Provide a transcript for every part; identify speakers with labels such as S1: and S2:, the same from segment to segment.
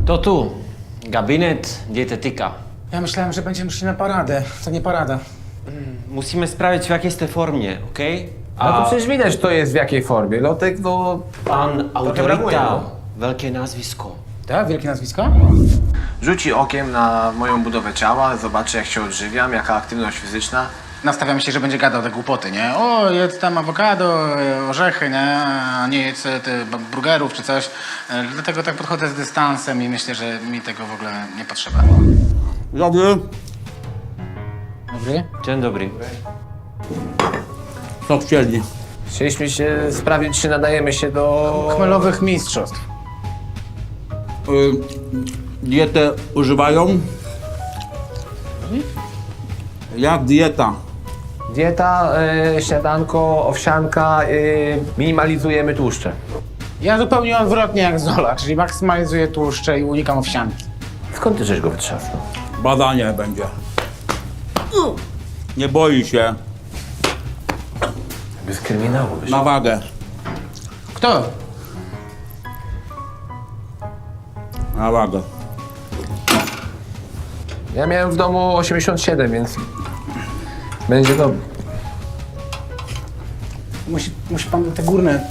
S1: To tu. Gabinet dietetyka.
S2: Ja myślałem, że będziemy szli na paradę. To nie parada.
S1: Musimy sprawdzić, w jakiej jest formie, okej?
S3: No to przecież widać, kto jest w jakiej formie. Lotek, no...
S1: Pan
S3: brakuje,
S1: autoryta.
S3: no.
S1: Wielkie nazwisko.
S2: Tak? Wielkie nazwisko?
S3: Rzuci okiem na moją budowę ciała, zobaczy jak się odżywiam, jaka aktywność fizyczna.
S2: Nastawiam się, że będzie gadał te głupoty, nie? O, jedz tam awokado, orzechy, nie? A nie jedz burgerów czy coś. Dlatego tak podchodzę z dystansem i myślę, że mi tego w ogóle nie potrzeba.
S4: Dobry.
S2: Dobry?
S1: Dzień dobry.
S4: Co chcieli?
S3: Chcieliśmy się sprawdzić, czy nadajemy się do...
S2: Chmelowych mistrzostw.
S4: Dietę używają? Jak dieta?
S3: Dieta, śniadanko, owsianka, minimalizujemy tłuszcze.
S2: Ja zupełnie odwrotnie jak Zola, czyli maksymalizuję tłuszcze i unikam owsianki.
S3: Skąd ty żeś go wytrzasnął?
S4: Badanie będzie. Nie boi się.
S3: Bez kryminału wyszło.
S4: Na wagę.
S2: Kto?
S4: Na wagę.
S3: Ja miałem w domu 87, więc... Będzie dobrze.
S2: Musi pan te górne...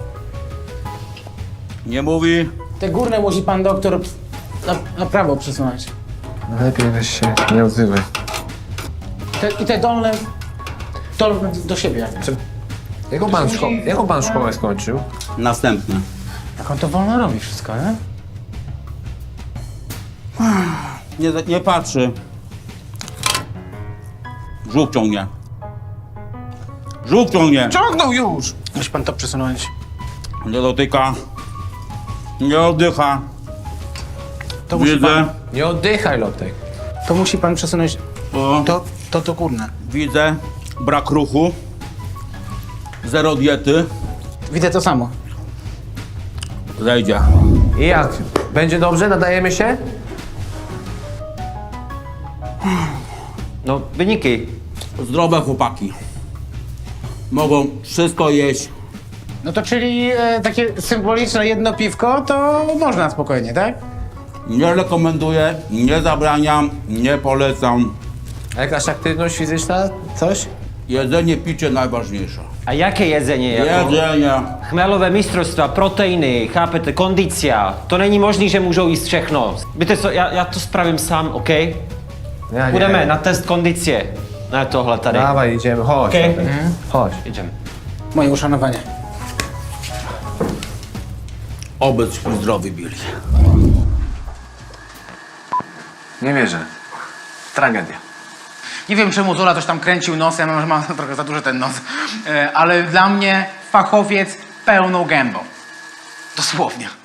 S4: Nie mówi.
S2: Te górne musi pan doktor na prawo przesunąć.
S3: Lepiej weź się nie odzywaj.
S2: I te dolne do siebie.
S3: Jaką pan szkołę skończył?
S4: Następny.
S2: Jak on to wolno robi wszystko, nie?
S4: Nie patrzy. Brzuch ciągnie. Brzuch ciągnie.
S2: Ciągnął już! Musi pan to przesunąć.
S4: Nie dotyka. Nie oddycha.
S2: To musi
S4: Widzę.
S2: pan,
S3: Nie oddychaj, Lotek.
S2: to musi pan przesunąć
S4: O,
S2: to górne.
S4: widzę. Brak ruchu. Zero diety.
S2: Widzę to samo.
S4: Zejdzie.
S3: I jak? Będzie dobrze? Nadajemy się?
S1: No, wyniki.
S4: Zdrowe chłopaki. Mogą wszystko jeść.
S2: No to czyli takie symboliczne jedno piwko, to można spokojnie, tak?
S4: Nie rekomenduję, nie zabraniam, nie polecam.
S3: A jakaś aktywność fizyczna? Coś?
S4: Jedzenie, picie najważniejsze.
S1: A jakie jedzenie?
S4: Jedzenie.
S1: Chmelowe mistrzostwa, proteiny, chápete, kondycja. To není možný, že můžou jíst všechno. Víte co, já to spravím sám, OK?
S3: Ja nie.
S1: Půjdeme na test kondicie. Na tohle tady.
S3: Dawaj, idziemy, chodź.
S1: Okej.
S3: Lotek. Chodź.
S1: Idziemy.
S2: Moje uszanowanie.
S4: Obyśmy zdrowi byli.
S3: Nie wierzę. Tragedia.
S2: Nie wiem, czemu Zola coś tam kręcił nosem, może ma trochę za duży ten nos, ale dla mnie fachowiec pełną gębą. Dosłownie.